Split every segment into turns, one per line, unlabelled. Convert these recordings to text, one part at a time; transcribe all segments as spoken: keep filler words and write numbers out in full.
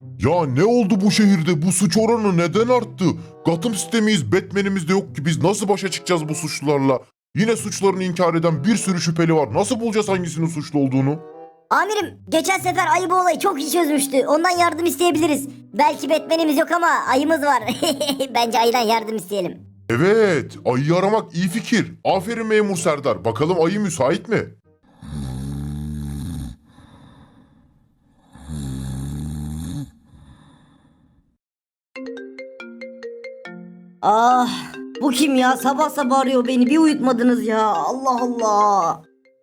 Ya ne oldu bu şehirde? Bu suç oranı neden arttı? Gotham City'de miyiz? Batman'imiz de yok ki. Biz nasıl başa çıkacağız bu suçlularla? Yine suçlarını inkar eden bir sürü şüpheli var. Nasıl bulacağız hangisinin suçlu olduğunu?
Amirim geçen sefer ayı bu olayı çok iyi çözmüştü. Ondan yardım isteyebiliriz. Belki Batman'imiz yok ama ayımız var. Bence ayıdan yardım isteyelim.
Evet, ayıyı aramak iyi fikir. Aferin memur Serdar. Bakalım ayı müsait mi?
Ah, bu kim ya? Sabah sabah arıyor beni. Bir uyutmadınız ya. Allah Allah.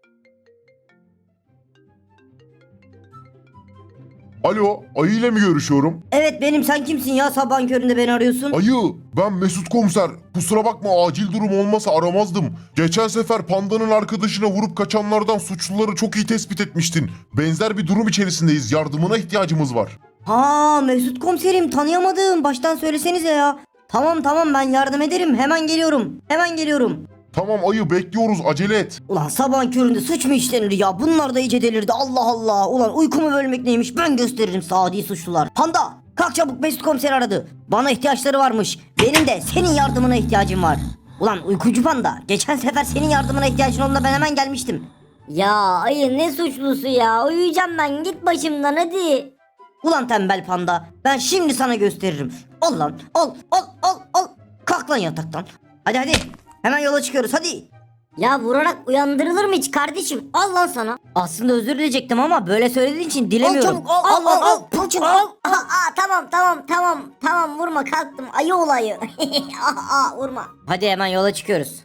Alo, ayı ile mi görüşüyorum?
Evet benim. Sen kimsin ya? Sabahın köründe beni arıyorsun.
Ayı, ben Mesut Komiser. Kusura bakma, acil durum olmasa aramazdım. Geçen sefer Panda'nın arkadaşına vurup kaçanlardan suçluları çok iyi tespit etmiştin. Benzer bir durum içerisindeyiz. Yardımına ihtiyacımız var.
Ha Mesut komiserim, tanıyamadım. Baştan söylesenize ya. Tamam tamam, ben yardım ederim. Hemen geliyorum. Hemen geliyorum.
Tamam ayı, bekliyoruz, acele et.
Ulan sabahın köründe suç mu işlenir ya? Bunlar da iyice delirdi. Allah Allah. Ulan uykumu bölmek neymiş? Ben gösteririm sadi suçlular. Panda, kalk çabuk, Mesut komiser aradı. Bana ihtiyaçları varmış. Benim de senin yardımına ihtiyacım var. Ulan uykucu panda, geçen sefer senin yardımına ihtiyacın olduğunda ben hemen gelmiştim.
Ya ayı ne suçlusu ya? Uyuyacağım ben, git başımdan hadi.
Ulan tembel panda, ben şimdi sana gösteririm. Al lan, al al al al. Kalk lan yataktan. Hadi hadi, hemen yola çıkıyoruz hadi.
Ya vurarak uyandırılır mı hiç kardeşim? Al lan sana.
Aslında özür dileyecektim ama böyle söylediğin için dilemiyorum.
Al çabuk al al al. al, al, çabuk, al. Aa, aa, tamam tamam tamam tamam vurma, kalktım ayı olayı. aa, aa, vurma.
Hadi hemen yola çıkıyoruz.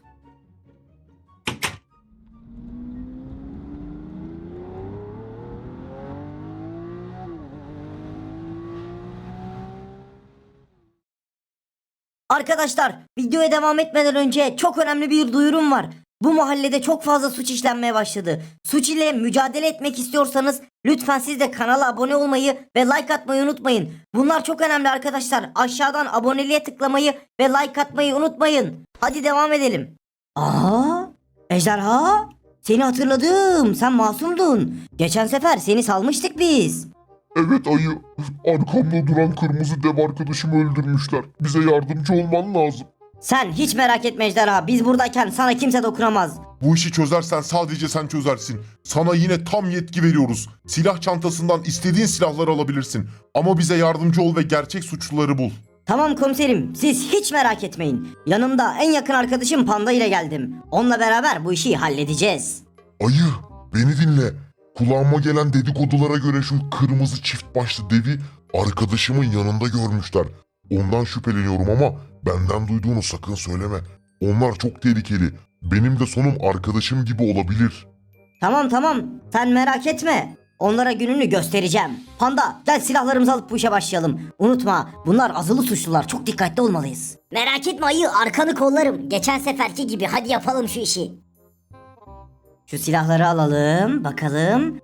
Arkadaşlar, videoya devam etmeden önce çok önemli bir duyurum var. Bu mahallede çok fazla suç işlenmeye başladı. Suç ile mücadele etmek istiyorsanız lütfen siz de kanala abone olmayı ve like atmayı unutmayın. Bunlar çok önemli arkadaşlar. Aşağıdan aboneliğe tıklamayı ve like atmayı unutmayın. Hadi devam edelim. Aa, Ejderha, seni hatırladım. Sen masumdun. Geçen sefer seni salmıştık biz.
Evet ayı, arkamda duran kırmızı dev arkadaşımı öldürmüşler. Bize yardımcı olman lazım.
Sen hiç merak etme Ejderha. Biz buradayken sana kimse dokunamaz.
Bu işi çözersen sadece sen çözersin. Sana yine tam yetki veriyoruz. Silah çantasından istediğin silahları alabilirsin. Ama bize yardımcı ol ve gerçek suçluları bul.
Tamam komiserim, siz hiç merak etmeyin. Yanımda en yakın arkadaşım Panda ile geldim. Onunla beraber bu işi halledeceğiz.
Ayı, beni dinle. Kulağıma gelen dedikodulara göre şu kırmızı çift başlı devi arkadaşımın yanında görmüşler. Ondan şüpheleniyorum ama benden duyduğunu sakın söyleme. Onlar çok tehlikeli. Benim de sonum arkadaşım gibi olabilir.
Tamam tamam, sen merak etme. Onlara gününü göstereceğim. Panda, gel silahlarımızı alıp bu işe başlayalım. Unutma, bunlar azılı suçlular. Çok dikkatli olmalıyız.
Merak etme ayı, arkanı kollarım. Geçen seferki gibi, hadi yapalım şu işi.
Şu silahları alalım, bakalım.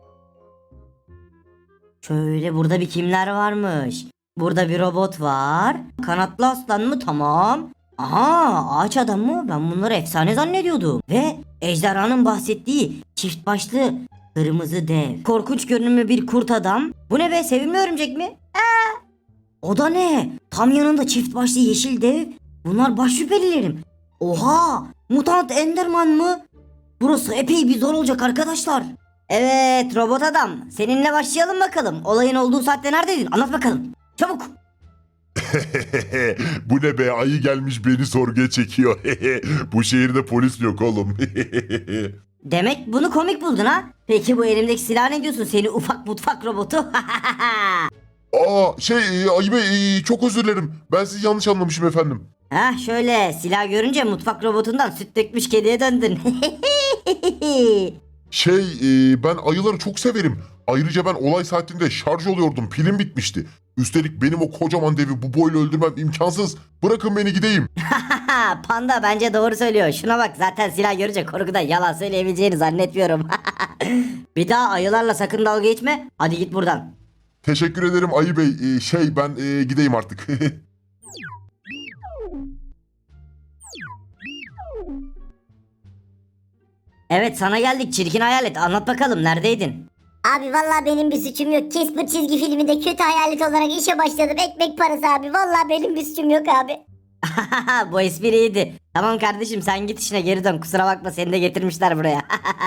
Şöyle, burada bir kimler varmış? Burada bir robot var. Kanatlı aslan mı? Tamam. Aha, ağaç adam mı? Ben bunları efsane zannediyordum. Ve ejderhanın bahsettiği çift başlı kırmızı dev. Korkunç görünümlü bir kurt adam. Bu ne be, sevimli örümcek mi? Ee, o da ne? Tam yanında çift başlı yeşil dev. Bunlar baş şüphelilerim. Oha, mutant Enderman mı? Burası epey bir zor olacak arkadaşlar. Evet robot adam, seninle başlayalım bakalım. Olayın olduğu saatte neredeydin? Anlat bakalım. Çabuk.
Bu ne be, ayı gelmiş beni sorguya çekiyor. Bu şehirde polis yok oğlum.
Demek bunu komik buldun ha? Peki bu elimdeki silah ne diyorsun, seni ufak mutfak robotu?
Aa şey e, ayı bey, e, çok özür dilerim. Ben sizi yanlış anlamışım efendim.
Heh, şöyle silah görünce mutfak robotundan süt dökmüş kediye döndün.
Şey e, ben ayıları çok severim. Ayrıca ben olay saatinde şarj oluyordum. Pilim bitmişti. Üstelik benim o kocaman devi bu boyla öldürmem imkansız. Bırakın beni gideyim.
Panda bence doğru söylüyor. Şuna bak, zaten silah görünce korkudan yalan söyleyebileceğini zannetmiyorum. Bir daha ayılarla sakın dalga geçme. Hadi git buradan.
Teşekkür ederim ayı bey. E, şey ben e, gideyim artık.
Evet, sana geldik çirkin hayalet, anlat bakalım neredeydin?
Abi vallahi benim bir suçum yok. Casper çizgi filminde kötü hayalet olarak işe başladım. Ekmek parası abi. Vallahi benim bir suçum yok abi.
Bu espriydi. Tamam kardeşim sen git işine geri dön. Kusura bakma seni de getirmişler buraya.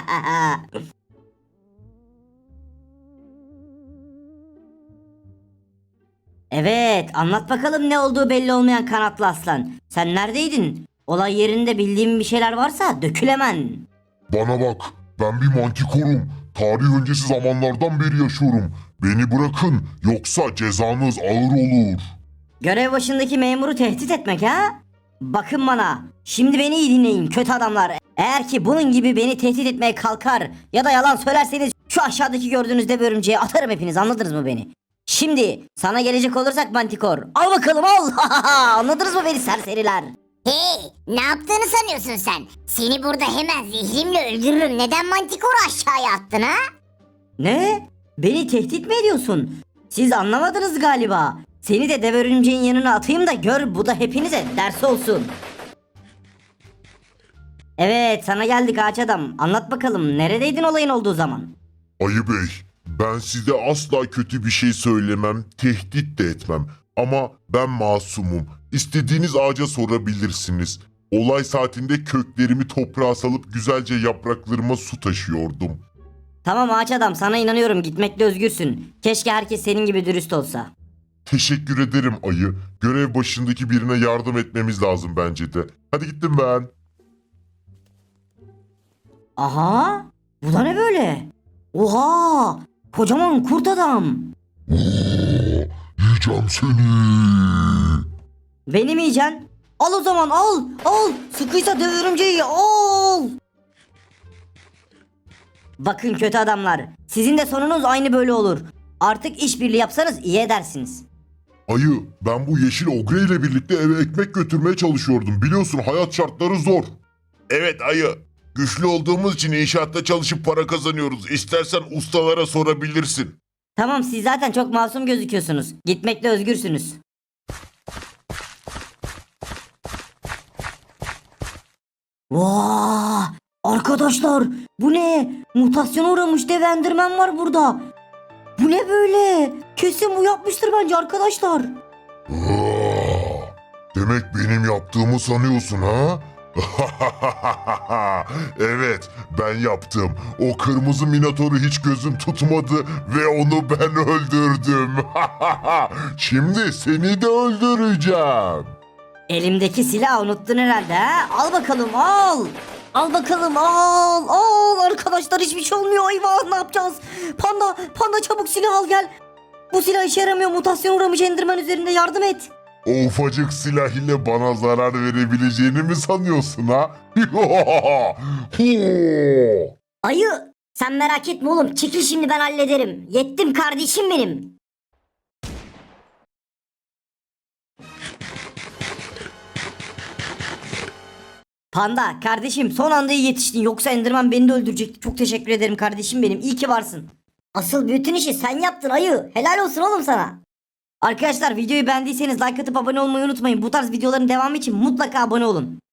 Evet, anlat bakalım ne olduğu belli olmayan kanatlı aslan. Sen neredeydin? Olay yerinde bildiğin bir şeyler varsa dökül hemen.
Bana bak, ben bir mantikorum. Tarih öncesi zamanlardan beri yaşıyorum. Beni bırakın, yoksa cezanız ağır olur.
Görev başındaki memuru tehdit etmek ha? Bakın bana. Şimdi beni iyi dinleyin kötü adamlar. Eğer ki bunun gibi beni tehdit etmeye kalkar ya da yalan söylerseniz şu aşağıdaki gördüğünüz dev örümceği atarım hepiniz, anladınız mı beni? Şimdi sana gelecek olursak Mantikor. Al bakalım al. Anladınız mı beni serseriler?
Hey, ne yaptığını sanıyorsun sen? Seni burada hemen zehrimle öldürürüm. Neden Manticore'u aşağıya attın ha?
Ne? Beni tehdit mi ediyorsun? Siz anlamadınız galiba. Seni de dev örümceğin yanına atayım da gör, bu da hepinize ders olsun. Evet, sana geldik ağaç adam. Anlat bakalım neredeydin olayın olduğu zaman?
Ayı Bey, ben size asla kötü bir şey söylemem, tehdit de etmem. Ama ben masumum. İstediğiniz ağaca sorabilirsiniz. Olay saatinde köklerimi toprağa salıp güzelce yapraklarıma su taşıyordum.
Tamam ağaç adam, sana inanıyorum, gitmekle özgürsün. Keşke herkes senin gibi dürüst olsa.
Teşekkür ederim ayı. Görev başındaki birine yardım etmemiz lazım bence de. Hadi gittim ben.
Aha, bu da ne böyle? Oha, kocaman kurt adam.
Oo, yiyeceğim seni.
Beni mi yiyeceksin? Al o zaman, al al, sıkıysa dev örümceği al. Bakın kötü adamlar, sizin de sonunuz aynı böyle olur. Artık işbirliği yapsanız iyi edersiniz.
Ayı, ben bu yeşil ogre ile birlikte eve ekmek götürmeye çalışıyordum. Biliyorsun hayat şartları zor. Evet ayı. Güçlü olduğumuz için inşaatta çalışıp para kazanıyoruz. İstersen ustalara sorabilirsin.
Tamam, siz zaten çok masum gözüküyorsunuz. Gitmekle özgürsünüz. Vaa! Arkadaşlar, bu ne? Mutasyona uğramış dev Enderman var burada. Bu ne böyle? Kesin bu yapmıştır bence arkadaşlar.
Aa, demek benim yaptığımı sanıyorsun ha? Evet, ben yaptım. O kırmızı minatoru hiç gözüm tutmadı ve onu ben öldürdüm. Şimdi seni de öldüreceğim.
Elimdeki silahı unuttun herhalde ha? Al bakalım al. Al bakalım al al arkadaşlar, hiçbir şey olmuyor, eyvah ne yapacağız? Panda panda çabuk silah al gel. Bu silah işe yaramıyor, mutasyon uğramış Enderman üzerinde, yardım et.
O ufacık silah ile bana zarar verebileceğini mi sanıyorsun ha?
Ayı, sen merak etme oğlum. Çekil, şimdi ben hallederim. Yettim kardeşim benim.
Panda kardeşim, son anda iyi yetiştin, yoksa Enderman beni de öldürecekti. Çok teşekkür ederim kardeşim benim, iyi ki varsın.
Asıl bütün işi sen yaptın ayı. Helal olsun oğlum sana.
Arkadaşlar videoyu beğendiyseniz like atıp abone olmayı unutmayın. Bu tarz videoların devamı için mutlaka abone olun.